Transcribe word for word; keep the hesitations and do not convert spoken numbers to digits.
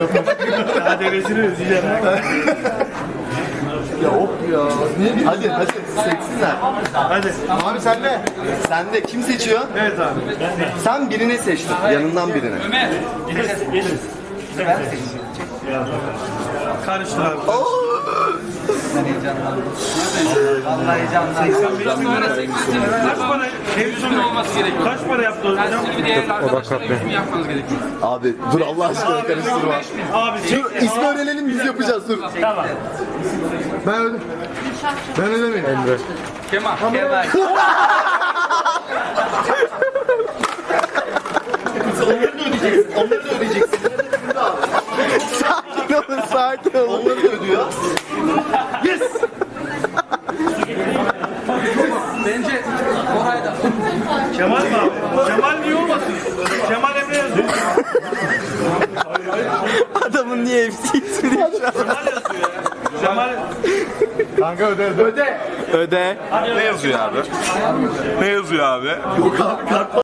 Daha devresini özleyeceğim. Ya hop ya. Ne hadi hadi seçsinler. Hadi. Abi sen de. Sen de kim seçiyor? Evet abi. Sen birini seçtin. Yanından birini. Ömer. Geliriz. Geliriz. Karıştır abi. Vallahi heyecanlandım. Kaç para? Yüzün olması gerekiyor. Kaç para yaptı hocam? Tersini bir değerli arkadaşlara yüzün yapmanız gerekiyor. Abi dur Allah aşkına karıştırma. Abi çek. Dur ismi öğrenelim biz yapacağız dur. Tamam. Ben öde. Ben ödemeyim. Emre. Kemal. Kemal. Onları da ödeyeceksin. Onları da ödeyeceksin. Sakin olun sakin olun. Onları da ödüyor. Yes. Bence Oray'da. Kemal mi abi? Kemal niye olmasın? Kemal Emre yazıyor. Adamın niye hepsi ismi diye şu an. Kemal yazıyor ya. Kemal. Kanka öde öde. Öde. Ne yazıyor abi? Ne yazıyor abi? Yok abi kart